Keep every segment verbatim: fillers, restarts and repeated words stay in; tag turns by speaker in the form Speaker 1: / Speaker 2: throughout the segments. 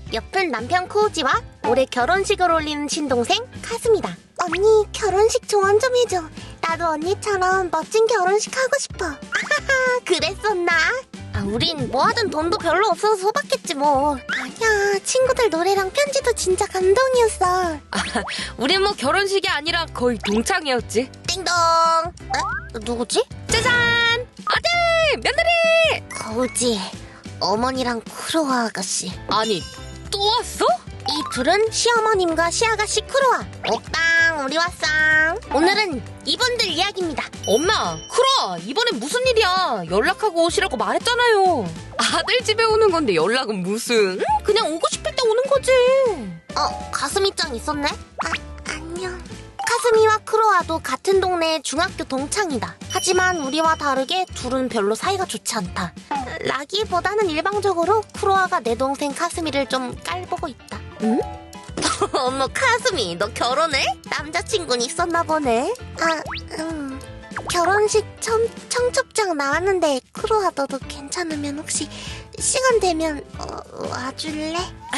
Speaker 1: 옆은 남편 코우지와 올해 결혼식을 올리는 친동생 카스미다. 언니 결혼식 조언 좀 해줘. 나도 언니처럼 멋진 결혼식 하고 싶어. 아하하, 그랬었나? 아, 우린 뭐 하든 돈도 별로 없어서 소박했지 뭐. 아니야, 친구들 노래랑 편지도 진짜 감동이었어.
Speaker 2: 아, 우린 뭐 결혼식이 아니라 거의 동창이었지.
Speaker 1: 띵동. 어? 누구지?
Speaker 2: 짜잔! 아들! 며느리!
Speaker 1: 거우지, 어머니랑 쿠로와 아가씨.
Speaker 2: 아니, 또 왔어?
Speaker 1: 이 둘은 시어머님과 시아가씨 쿠로와. 옥당 우리 왔어. 오늘은 이분들 이야기입니다.
Speaker 2: 엄마, 크로아, 이번엔 무슨 일이야? 연락하고 오시라고 말했잖아요. 아들 집에 오는 건데 연락은 무슨? 응? 그냥 오고 싶을 때 오는 거지.
Speaker 1: 어, 가스미짱 있었네? 아, 안녕. 카스미와 크로아도 같은 동네의 중학교 동창이다. 하지만 우리와 다르게 둘은 별로 사이가 좋지 않다. 라기보다는 일방적으로 크로아가 내 동생 카스미를 좀 깔보고 있다. 응? 어머, 카스미, 너 결혼해? 남자친구는 있었나 보네. 아, 음. 결혼식 청, 청첩장 나왔는데 크로아 너도 괜찮으면 혹시 시간 되면 어, 와줄래?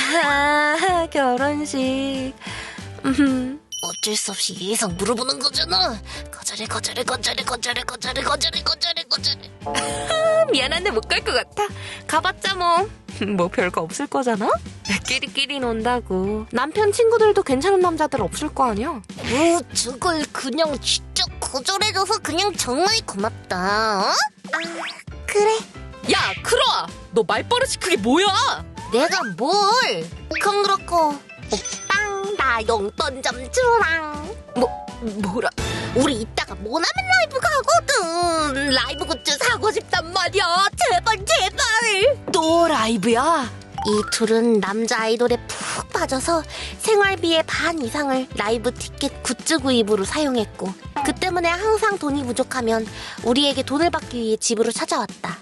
Speaker 2: 아, 결혼식. 음.
Speaker 1: 어쩔 수 없이 예상 물어보는 거잖아. 거절해 거절해 거절해 거절해 거절해 거절해 거절해 거절해.
Speaker 2: 아, 미안한데 못 갈 것 같아. 가봤자 뭐. 뭐 별거 없을 거잖아? 끼리끼리 논다고. 남편 친구들도 괜찮은 남자들 없을 거 아니야?
Speaker 1: 우, 저걸 그냥 진짜 거절해줘서 그냥 정말 고맙다. 어? 아, 그래.
Speaker 2: 야, 크로아! 너 말버릇이 그게 뭐야?
Speaker 1: 내가 뭘? 그건 그렇고 오빵 나 용돈 좀 주랑.
Speaker 2: 뭐, 뭐라?
Speaker 1: 우리 이따가 모나면 라이브 가거든. 라이브 굿즈 사고 싶단 말이야. 제발 제발.
Speaker 2: 또 라이브야?
Speaker 1: 이 둘은 남자 아이돌에 푹 빠져서 생활비의 반 이상을 라이브 티켓 굿즈 구입으로 사용했고, 그 때문에 항상 돈이 부족하면 우리에게 돈을 받기 위해 집으로 찾아왔다.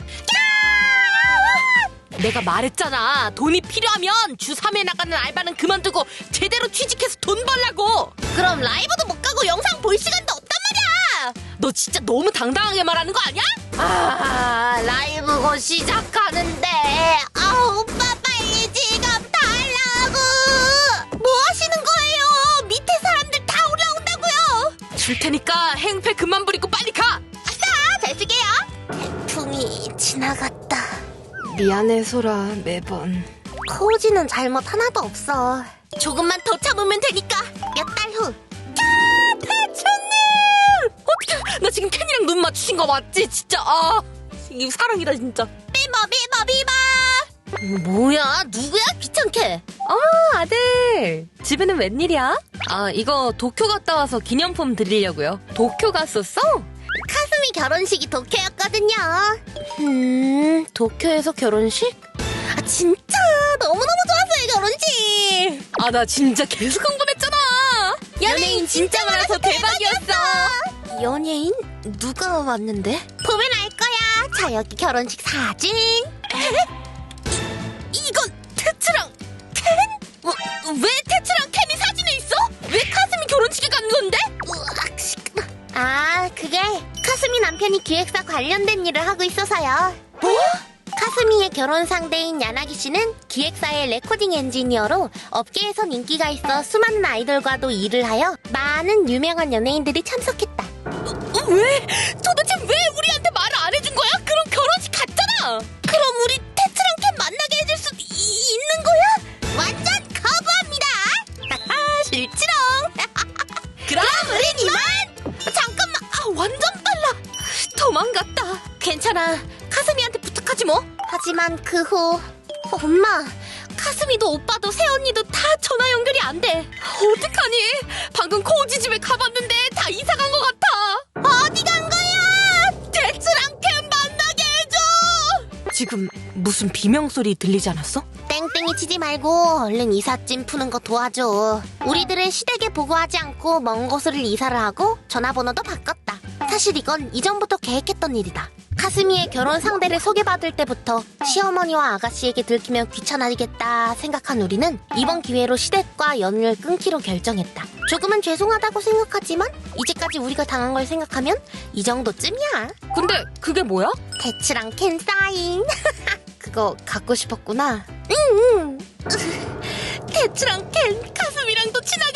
Speaker 2: 내가 말했잖아. 돈이 필요하면 주 삼 회 나가는 알바는 그만두고 제대로 취직해서 돈 벌라고.
Speaker 1: 그럼 라이브도 못 가고 영상 볼 시간도 없단 말이야.
Speaker 2: 너 진짜 너무 당당하게 말하는 거 아니야?
Speaker 1: 아, 라이브 곧 시작하는데. 아, 오빠 빨리 지갑 달라고. 뭐 하시는 거예요? 밑에 사람들 다 올라온다고요.
Speaker 2: 줄 테니까 행패 그만 부리고 빨리 가.
Speaker 1: 아싸, 잘 쓸게요. 태풍이 지나갔다.
Speaker 2: 미안해, 소라. 매번.
Speaker 1: 코우지는 잘못 하나도 없어. 조금만 더 참으면 되니까. 몇 달 후.
Speaker 2: 대천님! 어떡해. 나 지금 캔이랑 눈 맞추신 거 맞지? 진짜. 아, 이거 사랑이다 진짜.
Speaker 1: 비버 비버 비버. 뭐야, 누구야, 귀찮게.
Speaker 2: 아, 아들. 집에는 웬일이야? 아, 이거 도쿄 갔다 와서 기념품 드리려고요. 도쿄 갔었어?
Speaker 1: 카스미 결혼식이 도쿄였거든요. 음, 도쿄에서 결혼식? 아, 진짜 너무너무 좋았어요, 결혼식.
Speaker 2: 아, 나 진짜 계속 흥분했잖아.
Speaker 1: 연예인 진짜 많아서
Speaker 2: 대박이었어.
Speaker 1: 연예인? 누가 왔는데? 보면 알 거야. 자, 여기 결혼식 사진. 에? 이, 이건 테츠랑 켄?
Speaker 2: 어, 왜 테츠랑 캔이 사진에 있어? 왜 카스미 결혼식에 간 건데?
Speaker 1: 으악, 시끄러. 아, 그게 카스미 남편이 기획사 관련된 일을 하고 있어서요.
Speaker 2: 뭐?
Speaker 1: 카스미의 결혼 상대인 야나기 씨는 기획사의 레코딩 엔지니어로 업계에선 인기가 있어 수많은 아이돌과도 일을 하여 많은 유명한 연예인들이 참석했다.
Speaker 2: 어, 왜? 도대체 왜 우리한테 말을 안 해준 거야? 그럼 결혼식 갔잖아.
Speaker 1: 그럼 우리 테츠랑 캔 만나게 해줄 수 이, 있는 거야? 완전 거부합니다. 하하, 실치롱.
Speaker 2: 그럼
Speaker 1: 우린 이만. 잠깐만.
Speaker 2: 아, 완전 빨라. 도망갔다. 괜찮아. 카스미한테 부탁하지 뭐.
Speaker 1: 하지만 그 후 엄마,
Speaker 2: 카스미도 오빠도 새언니도 다 전화 연결이 안 돼. 어떡하니? 방금 코우지 집에 가봤는데 다 이사 간 것 같아.
Speaker 1: 어디 간 거야?
Speaker 2: 테츠랑 캔 만나게 해줘. 지금 무슨 비명소리 들리지 않았어?
Speaker 1: 땡땡이 치지 말고 얼른 이삿짐 푸는 거 도와줘. 우리들은 시댁에 보고하지 않고 먼 곳을 이사를 하고 전화번호도 바꿨다. 사실 이건 이전부터 계획했던 일이다. 카스미의 결혼 상대를 소개받을 때부터 시어머니와 아가씨에게 들키면 귀찮아지겠다 생각한 우리는 이번 기회로 시댁과 연을 끊기로 결정했다. 조금은 죄송하다고 생각하지만 이제까지 우리가 당한 걸 생각하면 이 정도쯤이야.
Speaker 2: 근데 그게 뭐야?
Speaker 1: 테츠랑 캔 사인. 그거 갖고 싶었구나. 응, 응. 대추랑 캔, 가슴이랑도 친하게